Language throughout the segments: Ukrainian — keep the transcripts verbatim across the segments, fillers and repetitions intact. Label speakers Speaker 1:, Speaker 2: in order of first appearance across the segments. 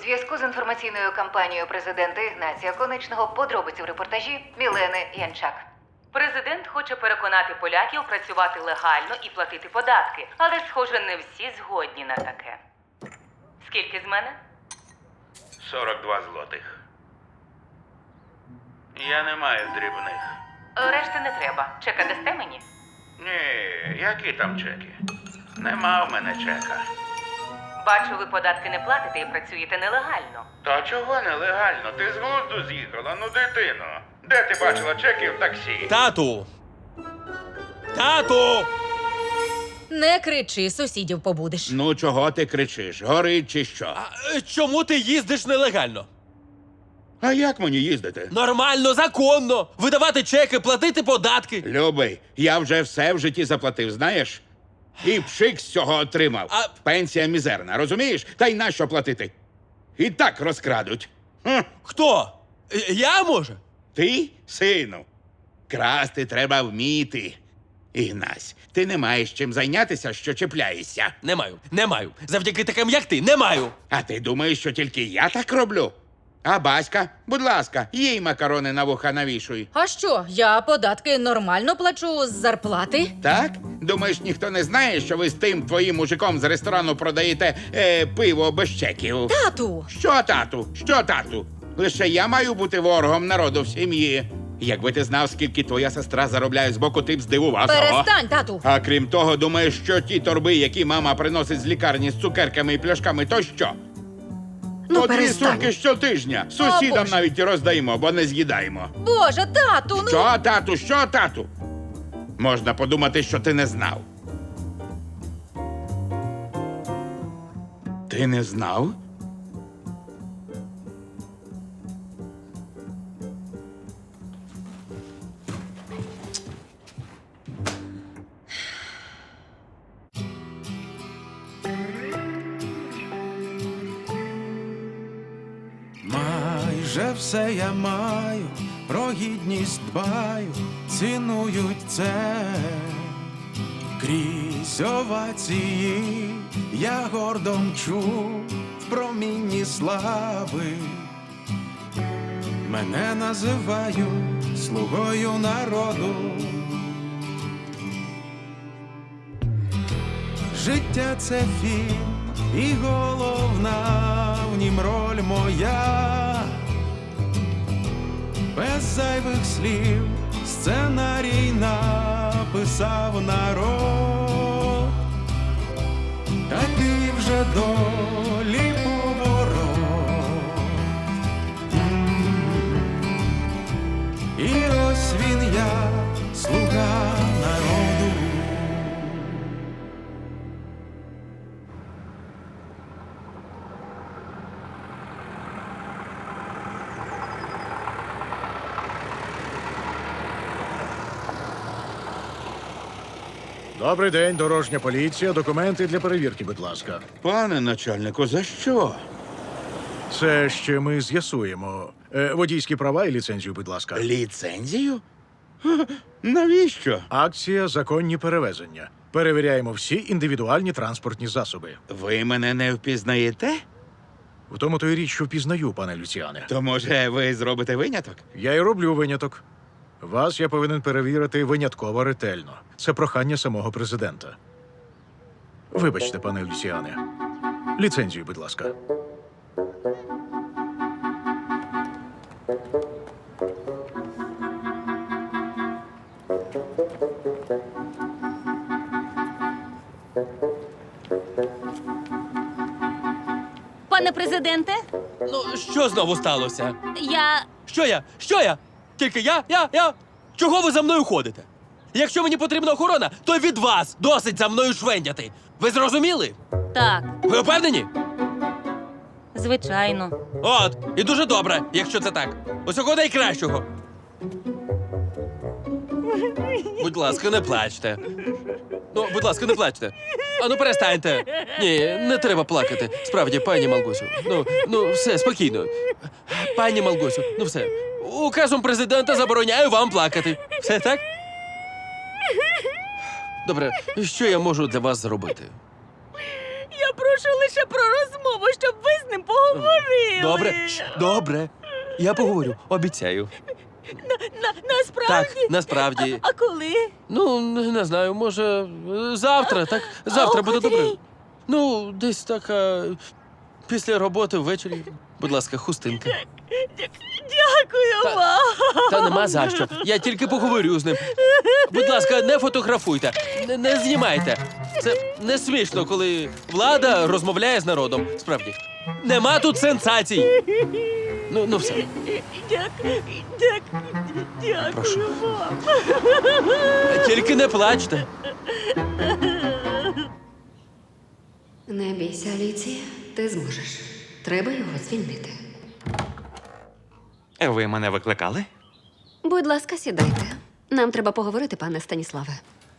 Speaker 1: зв'язку з інформаційною кампанією президента Ігнатія Конечного подробиці в репортажі Мілени Янчак.
Speaker 2: Президент хоче переконати поляків працювати легально і платити податки, але, схоже, не всі згодні на таке. Скільки з мене?
Speaker 3: сорок два злотих. Я не маю дрібних.
Speaker 2: Решти не треба. Чека дасте мені?
Speaker 3: Ні, які там чеки? Нема в мене чека.
Speaker 2: Бачу, ви податки не платите і працюєте нелегально.
Speaker 3: Та чого нелегально? Ти з глузду з'їхала, ну дитино. Де ти бачила чеки в таксі?
Speaker 4: Тату! Тату!
Speaker 5: Не кричи, сусідів побудеш.
Speaker 6: Ну, чого ти кричиш? Горить чи що?
Speaker 4: А е, чому ти їздиш нелегально?
Speaker 6: А як мені їздити?
Speaker 4: Нормально, законно! Видавати чеки, платити податки.
Speaker 6: Любий, я вже все в житті заплатив, знаєш? І пшик з цього отримав.
Speaker 4: А-
Speaker 6: Пенсія мізерна, розумієш? Та й нащо платити? І так розкрадуть. Хм.
Speaker 4: Хто? Е, Я, може?
Speaker 6: Ти, сину, красти треба вміти. Ігнась, ти не маєш чим зайнятися, що чіпляєшся.
Speaker 4: Не маю, не маю. Завдяки таким, як ти, не маю.
Speaker 6: А ти думаєш, що тільки я так роблю? А Баська, будь ласка, їй макарони на вуха навішуй.
Speaker 5: А що, я податки нормально плачу з зарплати?
Speaker 6: Так? Думаєш, ніхто не знає, що ви з тим твоїм мужиком з ресторану продаєте е, пиво без чеків?
Speaker 5: Тату!
Speaker 6: Що, тату? Що, тату? Лише я маю бути ворогом народу в сім'ї. Якби ти знав, скільки твоя сестра заробляє з боку, ти б здивувався.
Speaker 5: Перестань, тату!
Speaker 6: А крім того, думаєш, що ті торби, які мама приносить з лікарні з цукерками і пляшками, то що?
Speaker 5: Ну,
Speaker 6: По дві
Speaker 5: перестань.
Speaker 6: сумки щотижня. Сусідам
Speaker 5: Боже.
Speaker 6: навіть і роздаємо, бо не з'їдаємо.
Speaker 5: Боже, тату, ну!
Speaker 6: Що, тату, що, тату? Можна подумати, що ти не знав. Ти не знав?
Speaker 7: Майже все я маю, про гідність дбаю, цінують це. Крізь овації я гордо мчу в промінні слави. Мене називають слугою народу. Життя — це фільм, і головна в нім роль моя. Без зайвих слів сценарій написав народ. Такий вже долі поворот. І ось він я, слуга народу.
Speaker 8: Добрий день, дорожня поліція. Документи для перевірки, будь ласка.
Speaker 6: Пане начальнику, за що?
Speaker 8: Це ще ми з'ясуємо. Е, водійські права і ліцензію, будь ласка.
Speaker 6: Ліцензію? Ха, навіщо?
Speaker 8: Акція «Законні перевезення». Перевіряємо всі індивідуальні транспортні засоби.
Speaker 6: Ви мене не впізнаєте?
Speaker 8: В тому то й річ, що впізнаю, пане Люціане.
Speaker 6: То, може, ви зробите виняток?
Speaker 8: Я й роблю виняток. Вас я повинен перевірити винятково ретельно. Це прохання самого президента. Вибачте, пане Люціане. Ліцензію, будь ласка.
Speaker 9: Пане президенте,
Speaker 4: Ну, що знову сталося?
Speaker 9: я.
Speaker 4: Що я? Що я? Тільки я? Я? Я? Чого ви за мною ходите? Якщо мені потрібна охорона, то від вас досить за мною швендяти. Ви зрозуміли?
Speaker 9: Так,
Speaker 4: Ви впевнені?
Speaker 9: звичайно.
Speaker 4: От, і дуже добре, якщо це так. Усього найкращого. Будь ласка, не плачте. Ну, будь ласка, не плачте. А ну перестаньте. Ні, не треба плакати. Справді, пані Малгосю. Ну, ну, все, спокійно. Пані Малгосю, ну все. Указом президента забороняю вам плакати. Все так? Добре, що я можу для вас зробити?
Speaker 9: Я прошу лише про розмову, щоб ви з ним поговорили.
Speaker 4: Добре, Ш, добре. Я поговорю, обіцяю.
Speaker 9: На, насправді?
Speaker 4: Так, насправді.
Speaker 9: А коли?
Speaker 4: Ну, не не знаю, може, е, завтра, так? Завтра
Speaker 9: о
Speaker 4: буде
Speaker 9: котрій?
Speaker 4: добре. Ну, десь так, а, після роботи ввечері. Будь ласка, хустинка.
Speaker 9: Дякую
Speaker 4: Та-
Speaker 9: вам.
Speaker 4: Та нема за що. Я тільки поговорю з ним. Будь ласка, не фотографуйте, не, не знімайте. Це не смішно, коли влада розмовляє з народом. Справді. Нема тут сенсацій. Ну, ну все.
Speaker 9: Дякую, дякую, дякую
Speaker 4: Прошу.
Speaker 9: вам.
Speaker 4: Тільки не плачте.
Speaker 10: Не бійся, Аліція, ти зможеш. Треба його звільнити.
Speaker 11: Ви мене викликали?
Speaker 10: Будь ласка, сідайте. Нам треба поговорити, пане Станіславе.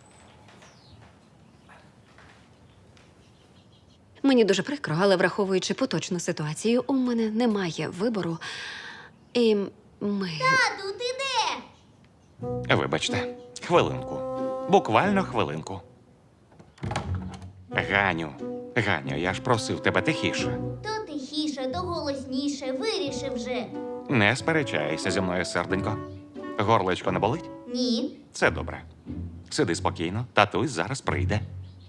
Speaker 10: Мені дуже прикро, але враховуючи поточну ситуацію, у мене немає вибору. І ми.
Speaker 9: Тату, ти де?
Speaker 11: Вибачте, хвилинку. Буквально хвилинку. Ганю, Ганю, я ж просив тебе тихіше.
Speaker 9: То тихіше, то голосніше, вирішив вже.
Speaker 11: Не сперечайся зі мною, серденько. Горлечко не болить?
Speaker 9: Ні.
Speaker 11: Це добре. Сиди спокійно, татусь зараз прийде.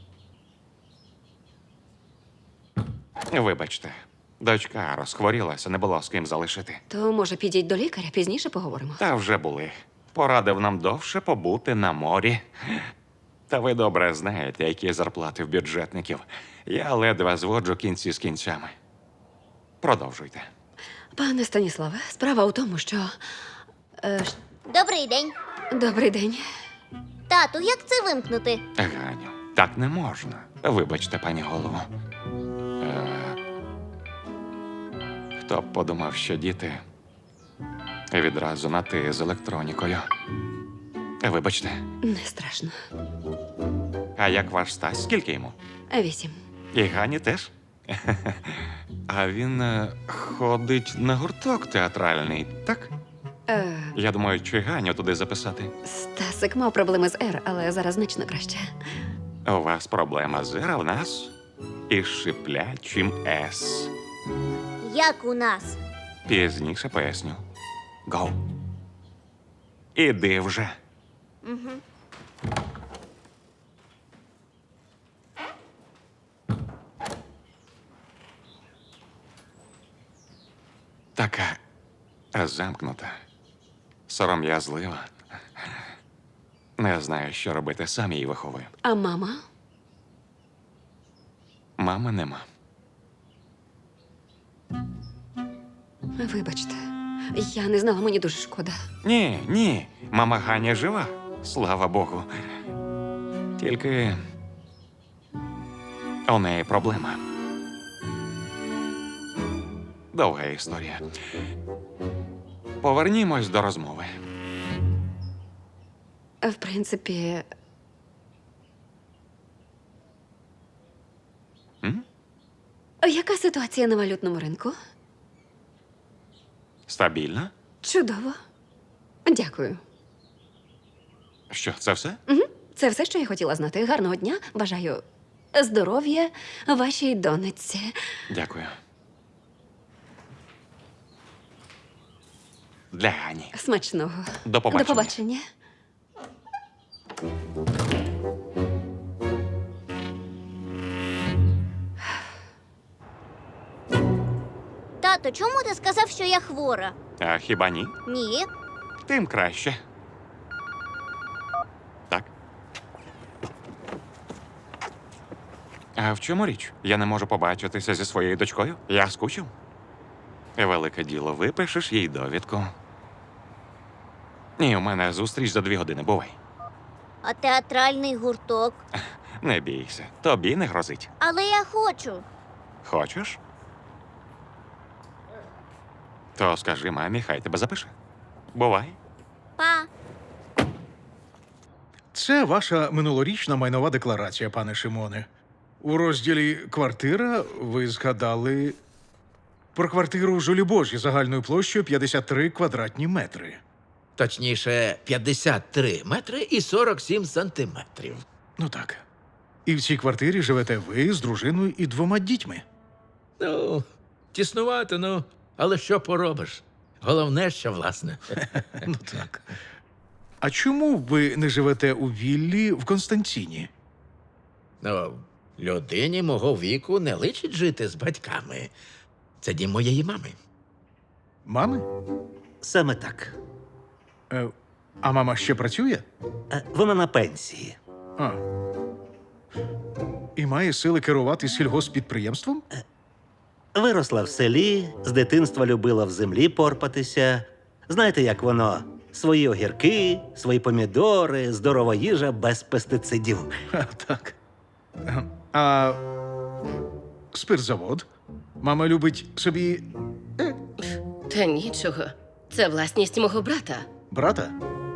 Speaker 11: Вибачте, дочка розхворілася, не було з ким залишити.
Speaker 10: То, може, підіть до лікаря, пізніше поговоримо.
Speaker 11: Та вже були. Порадив нам довше побути на морі. Та ви добре знаєте, які зарплати в бюджетників. Я ледве зводжу кінці з кінцями. Продовжуйте.
Speaker 10: Пане Станіславе, справа у тому, що. Е, ш-
Speaker 9: Добрий день.
Speaker 10: Добрий день.
Speaker 9: Тату, як це вимкнути?
Speaker 11: Ганю, так не можна. Вибачте, пані голово. Е, хто б подумав, що діти відразу на ти з електронікою. Вибачте.
Speaker 10: Не страшно.
Speaker 11: А як ваш Стась? Скільки йому?
Speaker 10: Вісім.
Speaker 11: І Гані теж? А він е, ходить на гурток театральний, так?
Speaker 10: Е,
Speaker 11: Я думаю, чи Ганю туди записати?
Speaker 10: Стасик мав проблеми з Р, але зараз значно краще.
Speaker 11: У вас проблема з Р, а в нас із шиплячим С.
Speaker 9: Як у нас?
Speaker 11: Пізніше поясню. Гоу. Іди вже. Така замкнута, сором'язлива. Не знаю, що робити, сам її виховую.
Speaker 10: А мама?
Speaker 11: Мами нема.
Speaker 10: Вибачте, я не знала, мені дуже шкода.
Speaker 11: Ні, ні, мама Ганя жива, слава Богу. Тільки у неї проблема. Довга історія. Повернімось до розмови.
Speaker 10: В принципі,
Speaker 11: М?
Speaker 10: яка ситуація на валютному ринку?
Speaker 11: Стабільно?
Speaker 10: Чудово. Дякую.
Speaker 11: Що, це все?
Speaker 10: Угу. Це все, що я хотіла знати. Гарного дня. Бажаю здоров'я вашій донечці.
Speaker 11: Дякую. Для Гані.
Speaker 10: Смачного.
Speaker 11: До побачення.
Speaker 10: До побачення.
Speaker 9: Тато, чому ти сказав, що я хвора?
Speaker 11: А хіба ні?
Speaker 9: Ні.
Speaker 11: Тим краще. Так. А в чому річ? Я не можу побачитися зі своєю дочкою? Я скучив. Велике діло, випишеш їй довідку. Ні, у мене зустріч за дві години, бувай.
Speaker 9: А театральний гурток?
Speaker 11: Не бійся, тобі не грозить.
Speaker 9: Але я хочу.
Speaker 11: Хочеш? То скажи мамі, хай тебе запише. Бувай.
Speaker 9: Па.
Speaker 8: Це ваша минулорічна майнова декларація, пане Шимоне. У розділі «Квартира» ви згадали про квартиру Жолібожі загальною площею п'ятдесят три квадратні метри.
Speaker 12: Точніше, п'ятдесят три метри і сорок сім сантиметрів.
Speaker 8: Ну так. І в цій квартирі живете ви з дружиною і двома дітьми.
Speaker 12: Ну, тіснувато, ну, але що поробиш? Головне, що власне.
Speaker 8: Ну так. А чому ви не живете у віллі в Константині?
Speaker 12: Ну, людині мого віку не личить жити з батьками. Це дім моєї мами.
Speaker 8: Мами?
Speaker 13: Саме так.
Speaker 8: Е, а мама ще працює?
Speaker 13: Е, Вона на пенсії.
Speaker 8: А. І має сили керувати сільгоспідприємством?
Speaker 13: Виросла в селі, з дитинства любила в землі порпатися. Знаєте, як воно? Свої огірки, свої помідори, здорова їжа без пестицидів.
Speaker 8: А, так. А спиртзавод? Мама любить собі
Speaker 14: Та нічого. Це власність мого брата.
Speaker 8: брата?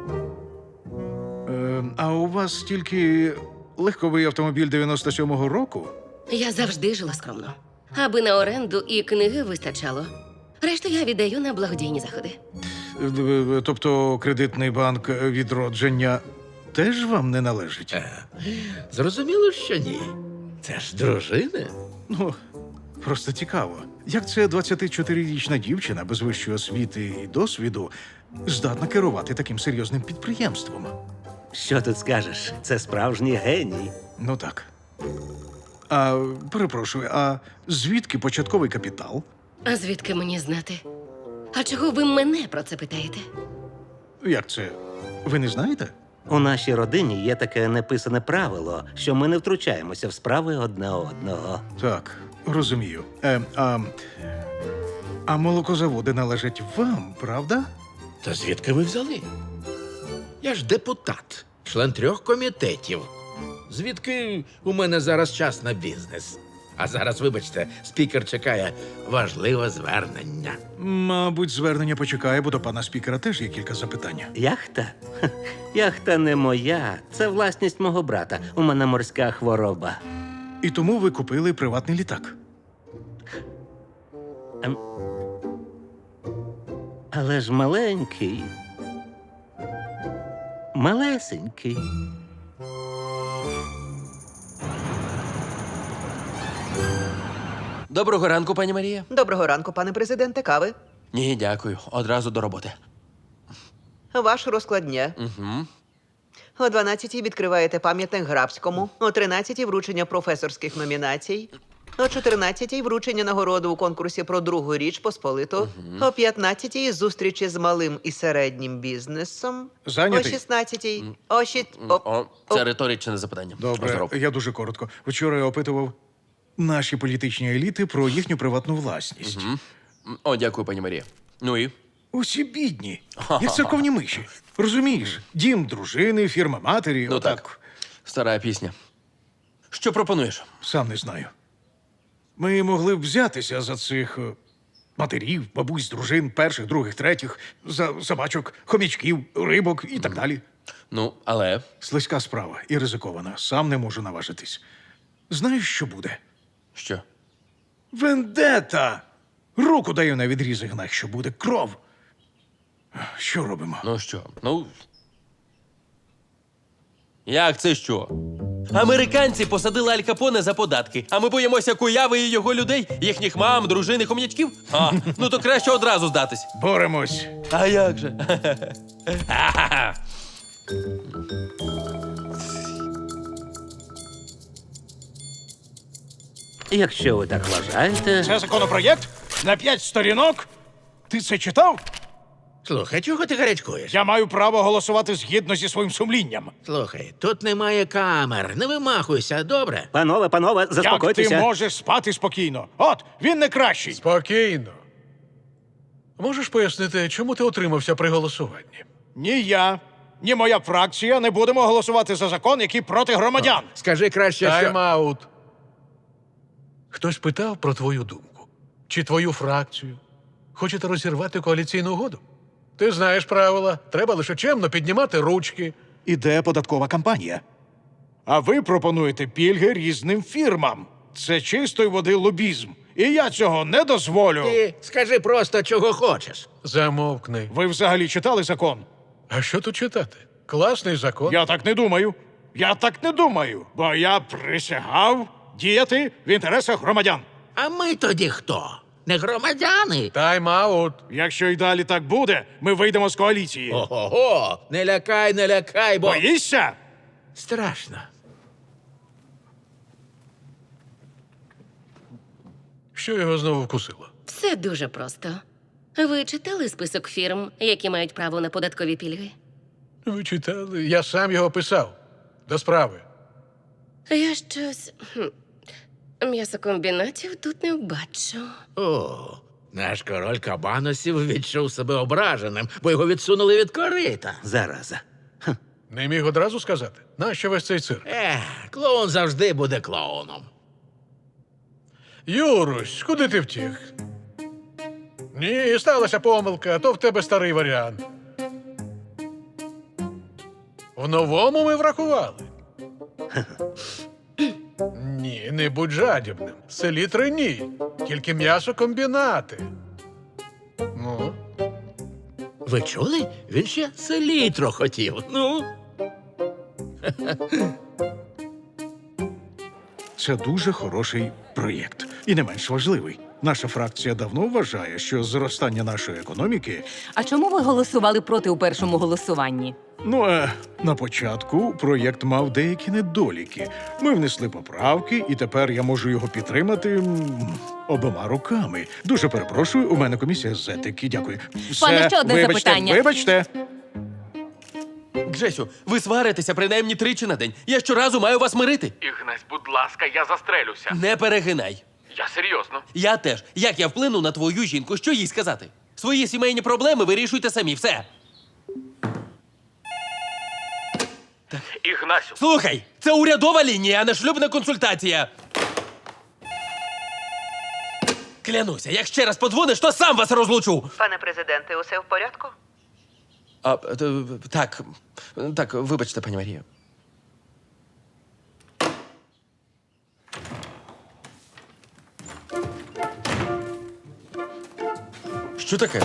Speaker 8: Е, а у вас тільки легковий автомобіль дев'яносто сьомого року?
Speaker 14: Я завжди жила скромно. Аби на оренду і книги вистачало. Решту я віддаю на благодійні заходи.
Speaker 8: Е, Тобто кредитний банк відродження теж вам не належить?
Speaker 12: Е, Зрозуміло, що ні. Це ж дружина.
Speaker 8: Ну, просто цікаво. Як це двадцятичотирирічна дівчина без вищої освіти і досвіду здатна керувати таким серйозним підприємством?
Speaker 13: Що тут скажеш? Це справжній геній.
Speaker 8: Ну так. А, перепрошую, а звідки початковий капітал?
Speaker 14: А звідки мені знати? А чого ви мене про це питаєте?
Speaker 8: Як це? Ви не знаєте?
Speaker 13: У нашій родині є таке неписане правило, що ми не втручаємося в справи одне одного.
Speaker 8: Так, розумію. Е, а, а молокозаводи належать вам, правда?
Speaker 12: Та звідки ви взяли? Я ж депутат, член трьох комітетів. Звідки у мене зараз час на бізнес? А зараз, вибачте, спікер чекає важливе звернення.
Speaker 8: Мабуть, звернення почекає, бо до пана спікера теж є кілька запитань.
Speaker 13: Яхта? Ха, яхта не моя. Це власність мого брата. У мене морська хвороба.
Speaker 8: І тому ви купили приватний літак.
Speaker 13: Ем... Але ж маленький. Малесенький.
Speaker 4: Доброго ранку, пані Марія.
Speaker 15: Доброго ранку, пане президенте. Кави.
Speaker 4: Ні, дякую. Одразу до роботи.
Speaker 15: Ваш розклад дня.
Speaker 4: Угу.
Speaker 15: О дванадцятій відкриваєте пам'ятник Грабському, о тринадцятій вручення професорських номінацій, о чотирнадцятій вручення нагороди у конкурсі про другу річ Посполиту, о п'ятнадцятій зустрічі з малим і середнім бізнесом,
Speaker 8: Зайнятий?
Speaker 15: о шістнадцятій, о шість... О...
Speaker 4: О, це риторичне запитання.
Speaker 8: Добре,
Speaker 4: Здоров.
Speaker 8: я дуже коротко. Вчора я опитував наші політичні еліти про їхню приватну власність.
Speaker 4: М, О, дякую, пані Марія. Ну і?
Speaker 8: Усі бідні, як церковні миші. Розумієш? Дім дружини, фірма матері.
Speaker 4: Ну
Speaker 8: отак.
Speaker 4: так. Стара пісня. Що пропонуєш?
Speaker 8: Сам не знаю. Ми могли б взятися за цих е, матерів, бабусь, дружин, перших, других, третіх, за собачок, хомячків, рибок і так далі.
Speaker 4: Ну, але.
Speaker 8: Слизька справа і ризикована. Сам не можу наважитись. Знаєш, що буде?
Speaker 4: Що?
Speaker 8: Вендета! Руку даю на відріз, Ігнат, що буде кров. Що робимо?
Speaker 4: Ну що? Ну. Як це що? Американці посадили Аль Капоне за податки, а ми боїмося Куяви і його людей, їхніх мам, дружин і хом'ячків? А, ну то краще одразу здатись.
Speaker 8: Боремось.
Speaker 4: А як же?
Speaker 13: Якщо ви так вважаєте.
Speaker 8: Це законопроєкт на п'ять сторінок? Ти це читав?
Speaker 12: Слухай, чого ти гарячкуєш?
Speaker 8: Я маю право голосувати згідно зі своїм сумлінням.
Speaker 12: Слухай, тут немає камер. Не вимахуйся, добре?
Speaker 13: Панове, панове, заспокойтеся.
Speaker 8: Як ти можеш спати спокійно? От, він не кращий.
Speaker 16: Спокійно. Можеш пояснити, чому ти отримався при голосуванні?
Speaker 8: Ні я, ні моя фракція не будемо голосувати за закон, який проти громадян.
Speaker 12: Скажи краще, що...
Speaker 16: Тайм-аут. Хтось питав про твою думку. Чи твою фракцію? Хочете розірвати коаліційну угоду? Ти знаєш правила. Треба лише чемно піднімати ручки.
Speaker 8: Іде податкова кампанія. А ви пропонуєте пільги різним фірмам. Це чистої води лобізм. І я цього не дозволю.
Speaker 12: Ти скажи просто, чого хочеш.
Speaker 16: Замовкни.
Speaker 8: Ви взагалі читали закон?
Speaker 16: А що тут читати? Класний закон.
Speaker 8: Я так не думаю. Я так не думаю, бо я присягав діяти в інтересах громадян.
Speaker 12: А ми тоді хто? Не громадяни?
Speaker 16: Тайм-аут.
Speaker 8: Якщо й далі так буде, ми вийдемо з коаліції.
Speaker 12: Ого, не лякай, не лякай, бо...
Speaker 8: Боїшся?
Speaker 12: Страшно.
Speaker 16: Що його знову вкусило?
Speaker 14: Все дуже просто. Ви читали список фірм, які мають право на податкові пільги?
Speaker 16: Ви читали? Я сам його писав. До справи.
Speaker 14: Я щось. хм, М'ясокомбінатів тут не бачу.
Speaker 12: О, наш король кабаносів відчув себе ображеним, бо його відсунули від корита.
Speaker 13: Зараза.
Speaker 16: Не міг одразу сказати? Нащо весь цей цирк?
Speaker 12: Ех, клоун завжди буде клоуном.
Speaker 16: Юрусь, куди ти втік? Ні, сталася помилка, а то в тебе старий варіант. В новому ми врахували. Ні, не будь жадібним. Селітри ні. Тільки м'ясокомбінати. Ну,
Speaker 12: Ви чули? Він ще селітро хотів. Ну.
Speaker 8: Це дуже хороший проєкт. І не менш важливий. Наша фракція давно вважає, що зростання нашої економіки.
Speaker 2: А чому ви голосували проти у першому голосуванні?
Speaker 8: Ну, е, на початку проєкт мав деякі недоліки. Ми внесли поправки, і тепер я можу його підтримати м, обома руками. Дуже перепрошую, у мене комісія з етики. Дякую. Все,
Speaker 2: Пане, ще одне
Speaker 8: вибачте,
Speaker 2: запитання.
Speaker 8: Вибачте.
Speaker 4: Джесю, ви сваритеся принаймні тричі на день. Я щоразу маю вас мирити.
Speaker 17: Ігнась, будь ласка, я застрелюся.
Speaker 4: Не перегинай.
Speaker 17: Я серйозно.
Speaker 4: Я теж. Як я вплину на твою жінку? Що їй сказати? Свої сімейні проблеми вирішуйте самі. Все.
Speaker 17: Ігнасю.
Speaker 4: Слухай, це урядова лінія, а не шлюбна консультація. Клянуся, як ще раз подзвониш, то сам вас розлучу.
Speaker 15: Пане президенте, усе в порядку?
Speaker 4: А, т- так, так, вибачте, пані Марія. Що таке?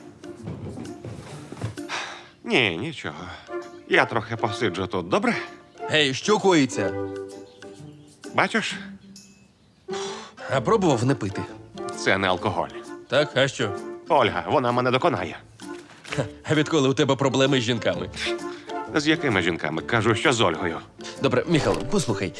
Speaker 11: Ні, нічого. Я трохи посиджу тут, добре?
Speaker 4: Гей, що коїться?
Speaker 11: Бачиш,
Speaker 4: А пробував не пити.
Speaker 11: це не алкоголь.
Speaker 4: Так, а що?
Speaker 11: Ольга, вона мене доконає.
Speaker 4: А відколи у тебе проблеми з жінками?
Speaker 11: З якими жінками? Кажу, що з Ольгою.
Speaker 4: Добре, Міхал, послухай.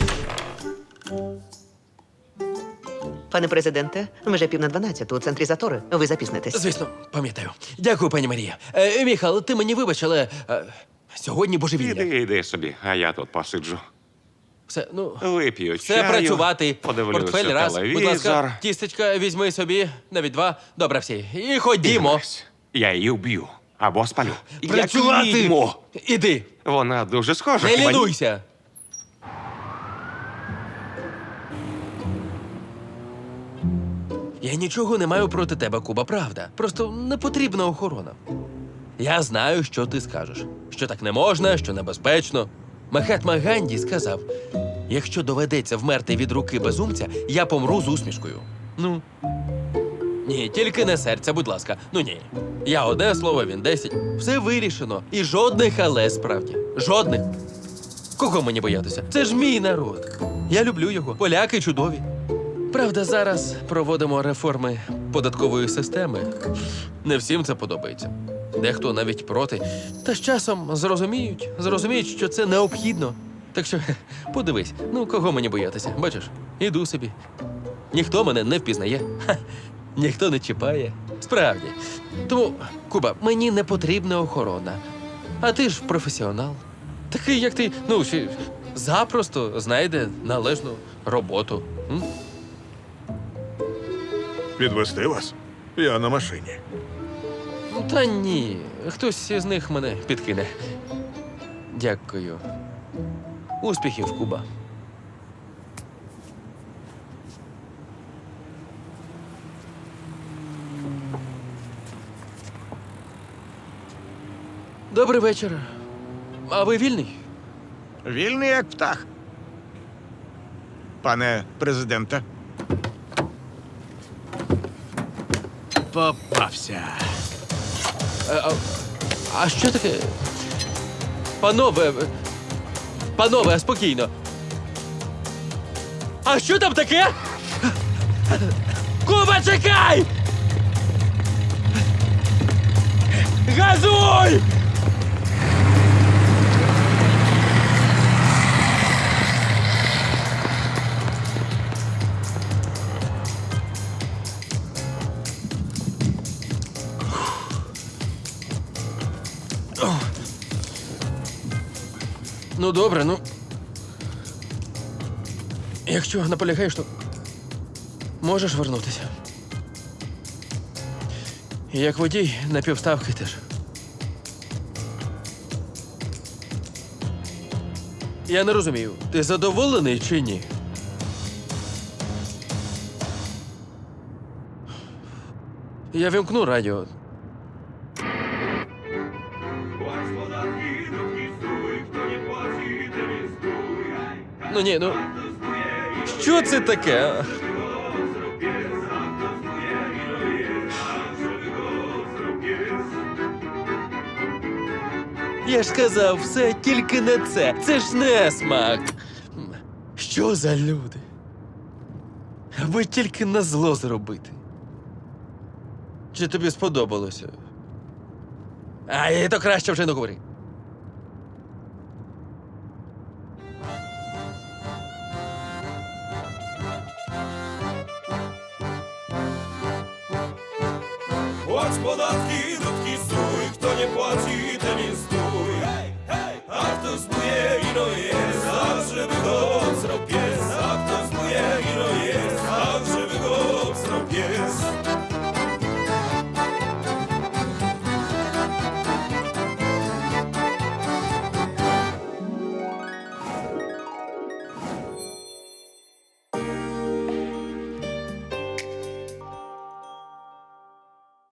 Speaker 15: Пане президенте, вже пів на дванадцяту у центрі затори. Ви запізнитесь.
Speaker 4: Звісно, пам'ятаю. Дякую, пані Марія. Е, Міхал, ти мені вибач, але е, сьогодні божевілля.
Speaker 11: Іди, іди собі, а я тут посиджу.
Speaker 4: Все, ну,
Speaker 11: Вип'ю
Speaker 4: все
Speaker 11: чаю,
Speaker 4: працювати.
Speaker 11: подивлюся
Speaker 4: Портфель раз,
Speaker 11: телевізор.
Speaker 4: будь ласка, тістечка візьми собі, навіть два. Добре, всі. І ходімо.
Speaker 11: Ігнась, я її вб'ю. Або спалю.
Speaker 4: Працювати!
Speaker 11: Як відьму.
Speaker 4: Іди,
Speaker 11: Вона дуже схожа.
Speaker 4: не
Speaker 11: хіба ні?
Speaker 4: лінуйся. Я нічого не маю проти тебе, Куба, правда. Просто не потрібна охорона. Я знаю, що ти скажеш. Що так не можна, що небезпечно. Махатма Ганді сказав: якщо доведеться вмерти від руки безумця, я помру з усмішкою. Ну. Ні, тільки не серця, будь ласка. Ну ні. Я одне слово, він десять. Все вирішено. І жодних але справді. Жодних. Кого мені боятися? Це ж мій народ. Я люблю його. Поляки чудові. Правда, зараз проводимо реформи податкової системи. Не всім це подобається. Дехто навіть проти. Та з часом зрозуміють, зрозуміють, що це необхідно. Так що, подивись, ну кого мені боятися? Бачиш, іду собі. Ніхто мене не впізнає. Ха, ніхто не чіпає. Справді. Тому, Куба, мені не потрібна охорона. А ти ж професіонал. Такий, як ти, ну, ще запросто знайде належну роботу. М?
Speaker 8: Підвести вас? Я на машині.
Speaker 4: Та ні, хтось із них мене підкине. Дякую. Успіхів, Куба. Добрий вечір. А ви вільний?
Speaker 18: Вільний як птах. Пане президенте. Попався.
Speaker 4: А, а, а що таке? Панове, Панове, спокійно. А що там таке? Куба, чекай! Газуй! Ну, добре, ну. Якщо наполягаєш, то можеш вернутися. І як водій на півставки теж. Я не розумію, ти задоволений чи ні? Я вімкну радіо. Ну ні, ну. Що це таке? Я ж сказав, все, тільки не це. Це ж не смак. Що за люди? Аби тільки на зло зробити. Чи тобі сподобалося? А, і то краще вже не говори.
Speaker 7: Płać podatki, dudki, stój, kto nie płaci, ten jest stój. A kto zbuje, ino je.